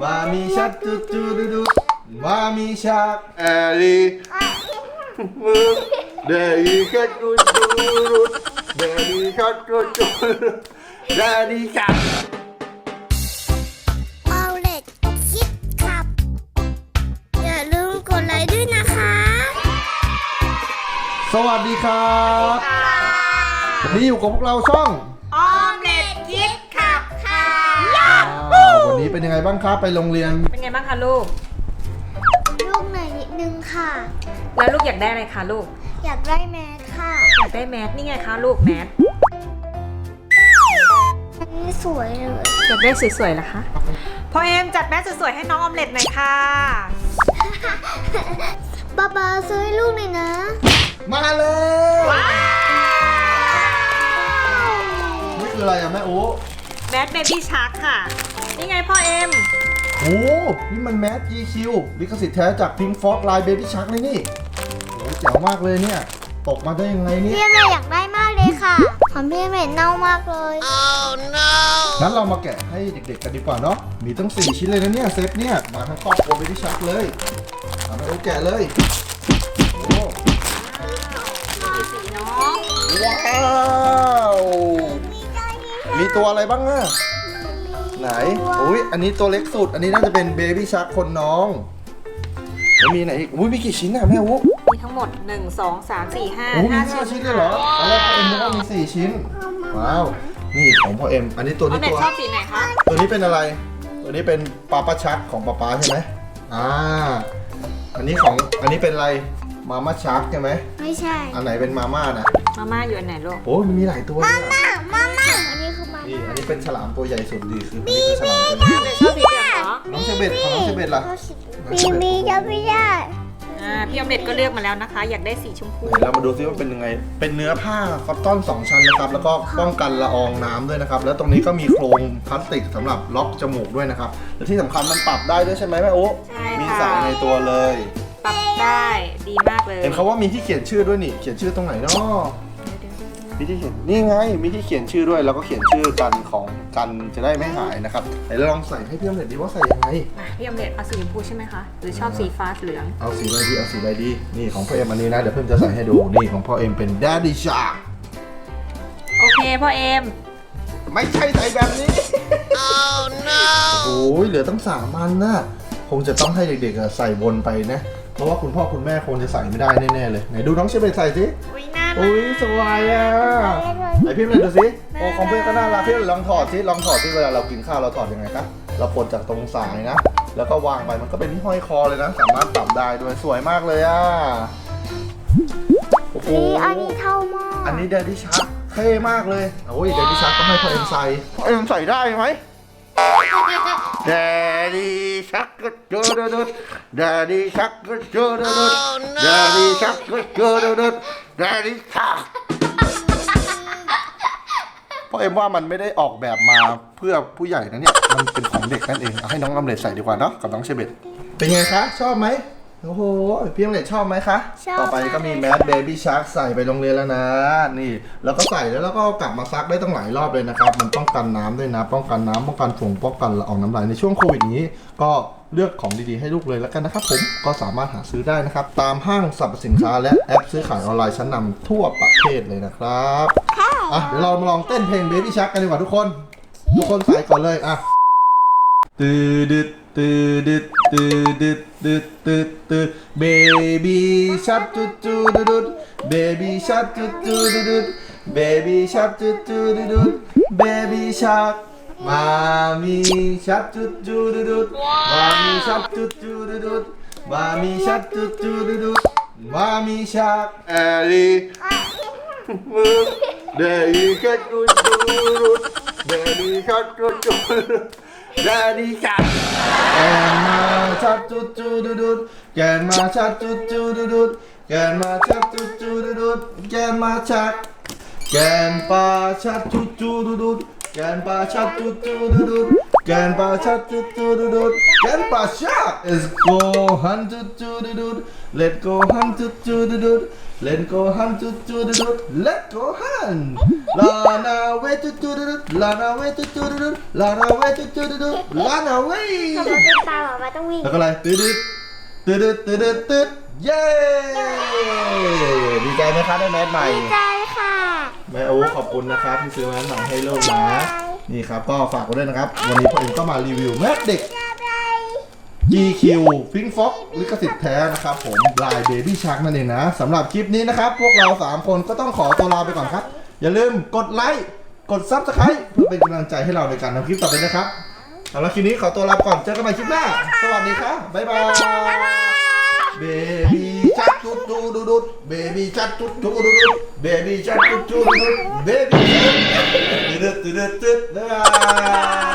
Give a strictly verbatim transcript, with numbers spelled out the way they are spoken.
มามีชักจุดจุดดุดมามีชักแอรี่มือเดลี่ชักจุดจุดดุดเดลี่ชักจุดจุดดุดเดลี่ชักเอาเล็กคิดขับอย่าลืมกดไลค์ด้วยนะคะสวัสดีครับวันนี้อยู่กับพวกเราช่องออมเล็ตคิดขับค่ะวันนี้เป็นยังไงบ้างครับไปโรงเรียนเป็นไงบ้างคะลูกลูกหน่อยนิดนึงค่ะแล้วลูกอยากได้อะไรคะลูกอยากได้แมสค่ะอยากได้แมสนี่ไงคะลูกแมสอันนี้สวยเลยอยากได้สวยๆเหรอคะพ่อเอ็มจัดแมสสวยๆให้น้องออมเล็ตหน่อยค่ะป๊าป๊าซื้อให้ลูกหน่อยนะมาเลยว้าวนี่คืออะไรอะแม่โอ้แมสเบบี้ชาร์คค่ะนี่ไงพ่อเอ็มโอ้นี่มันแมส จี คิว ลิขสิทธิ์แท้จาก Pink Fox ลาย Baby Shark เลยนี่โอ้แจ๋วมากเลยเนี่ยตกมาได้ยังไงเนี่ยพี่เมย์อยากได้มากเลยค่ะของพี่เมย์เน่ามากเลย oh no งั้นเรามาแกะให้เด็กๆกันดีกว่าเนาะมีตั้งสี่ชิ้นเลยนะเนี่ยเซตเนี่ยมาทั้งครอบครัว Baby Shark เลยเอาไปโอ้แกะเลยโอ้สีน้องว้าวมีตัวอะไรบ้างอะไหนอุ้ยอันนี้ตัวเล็กสุดอันนี้น่าจะเป็นเบบี้ชาร์คคนน้องแล้วมีไหนอีกอุ้ยมีกี่ชิ้นอะแม่วุ้มีทั้งหมดหนึ่ง สอง สาม สี่ ห้าโอ้มีห้าชิ้นเลยเหรอตอนแรกพ่อเอ็มนึกว่ามีสี่ชิ้นว้าวนี่ของพ่อเอ็มอันนี้ตัวนี้ตัวชอบสีไหนคะตัวนี้เป็นอะไรตัวนี้เป็นปาปาชักของป๊าป๊าใช่ไหมอ่าอันนี้ของอันนี้เป็นอะไรมาม่าชักใช่ไหมไม่ใช่อันไหนเป็นมาม่านะมาม่าอยู่อันไหนลูกโอ้มันมีหลายตัวมาม่ามาม่าอันนี้คือมานี่อันนี้เป็นฉลามตัวใหญ่สุดดีคืออันนี้คือฉลามตัวใหญ่ชอบสีเหลืองเหรอน้องเชเบตของน้องเชเบตล่ะบีบีจะไม่ได้อ่าพี่ออมเล็ตก็เลือกมาแล้วนะคะอยากได้สีชมพูเรามาดูซิว่าเป็นยังไงเป็นเนื้อผ้าคอตตอนสองชั้นนะครับแล้วก็ป้องกันละอองน้ำด้วยนะครับแล้วตรงนี้ก็มีโครงพลาสติกสำหรับล็อกจมูกด้วยนะครับและที่สำคัญมันปรับได้ด้วยใช่ไหมแม่โอ๊มีสายในตัวเลยปรับได้ดีมากเลยเห็นเขาว่ามีที่เขียนชื่อด้วยนี่เขียนชื่อตรงไหนเนาะมีที่เขียนนี่ไงมีที่เขียนชื่อด้วยแล้วก็เขียนชื่อกันของกันจะได้ไม่หายนะครับไหนเราลองใส่ให้พี่ออมเล็ตดีว่าใส่ยังไงพี่ออมเล็ตเอาสีชมพูใช่ไหมคะหรือชอบสีฟ้าเหลืองเอาสีอะไรดีเอาสีอะไรดีนี่ของพ่อเอ็มอันนี้นะเดี๋ยวเพิ่มจะใส่ให้ดูนี่ของพ่อเอ็มเป็น Daddy Shark โอเคพ่อเอ็มไม่ใช่ใส่แบบนี้ oh no โอ้ยเหลือตั้งสามอันนะคงจะต้องให้เด็กๆใส่บนไปนะเพราะว่าคุณพ่อคุณแม่คงจะใส่ไม่ได้แน่ๆเลยไหนดูน้องเชเบตใส่สิอุ้ยน่ารักอุ้ยสวยอ่ะไหนพี่เลยดูสิโอ้ของเพื่อนก็น่ารักพี่ลองถอดสิลองถอดสิเวลาเรากินข้าวเราถอดยังไงครับเราปลดจากตรงสายนะแล้วก็วางไปมันก็เป็นที่ห้อยคอเลยนะสามารถปรับได้ด้วยสวยมากเลยอ่ะโอ้โหอันนี้เท่ามากอันนี้เดดี้ชักเท่มากเลยโอ้ยเดดี้ชักต้องให้พ่อเอ็มใส่พ่อเอ็มใส่ได้ไหมเดดี้ชักก็เจอเด็ดเดดี้ชักก็เจอเด็ดเดดี้ชักก็เจอเด็ดเดดี้ชักพ่อเอ็มว่ามันไม่ได้ออกแบบมาเพื่อผู้ใหญ่นะเนี่ยมันเป็นของเด็กนั่นเองเอาให้น้องออมเล็ตใส่ดีกว่าเนาะกับน้องเชเบตเป็นไงคะชอบไหมโอ้โหพี่ออมเล็ตชอบไหมคะต่อไปก็มีแมสเบบี้ชาร์กใส่ไปโรงเรียนแล้วนะนี่แล้วก็ใส่แล้วแล้วก็กลับมาซักได้ตั้งหลายรอบเลยนะครับมันป้องกันน้ำด้วยนะป้องกันน้ำป้องกันฝุ่นป้องกันละอองน้ำลายในช่วงโควิดนี้ก็เลือกของดีๆให้ลูกเลยแล้วกันนะครับผมก็สามารถหาซื้อได้นะครับตามห้างสรรพสินค้าและแอปซื้อขายออนไลน์ชั้นนำทั่วประเทศเลยนะครับอ่ะเดี๋ยวเรามาลองเต้นเพลง Baby Shark กันดีกว่าทุกคนทุกคนใส่ก่อนเลยอ่ะตืดดึดตืดดึดตืดดึดดึดตืดตืด Baby Shark จุดจุดดุด Baby Shark จุดจุดดุด Baby Shark จุดจุดดุด Baby Shark มามีชักจุดจุดดุดมามีชักจุดจุดดุดมามีชักจุดจุดดุดมามีชักแอรี่มือเดลี่ชักจุดจุดดุดเดลี่ชักจุดจุดดุดเดลี่ชักแกนมาชักจุดจุดดุดแกนมาชักจุดจุดดุดแกนมาชักจุดจุดดุดแกนมาชักแกนปลาชักจุดจุดดุดแกนปลาชักจุดจุดดุด Gan Pasha tu tu du du. Gan Pasha. Let's go hunt tu tu du du. Let's go hunt tu tu du du. Let's go hunt tu tu du du. Let's go hunt. Run away tu tu du du. Run away tu tu du du. Run away tu tu du du. Run away. ทำไมเป็นตาหรอมาต้องวิ่งแล้วก็อะไรตืดตืดตืดตืดตืดเย้ดีใจไหมคะได้แมสใหม่ดีใจค่ะแม่โอ้ขอบคุณนะครับที่ซื้อแมสใหม่ให้ลูกนะนี่ครับก็ฝากไว้ด้วยนะครับวันนี้พ่อเอ็มก็มารีวิวแมสเด็ก จี คิว Pink Fox ลิขสิทธิ์แท้นะครับผมลาย Baby Shark นั่นเองนะสำหรับคลิปนี้นะครับพวกเราสามคนก็ต้องขอตัวลาไปก่อนครับอย่าลืมกดไลค์กด Subscribe เพื่อเป็นกำลังใจให้เราในการทำคลิปต่อไปนะครับเอาละคลิปนี้ขอตัวลาไปก่อนเจอกันใหม่คลิปหน้าสวัสดีครับบ๊ายบาย Baby Shark จุดจุดดุด Baby Shark จุดจุดดุด Baby Shark จุดจุดดุด Baby Shark ตึ๊ดตึ๊ดตึ๊ดบ๊ายบาย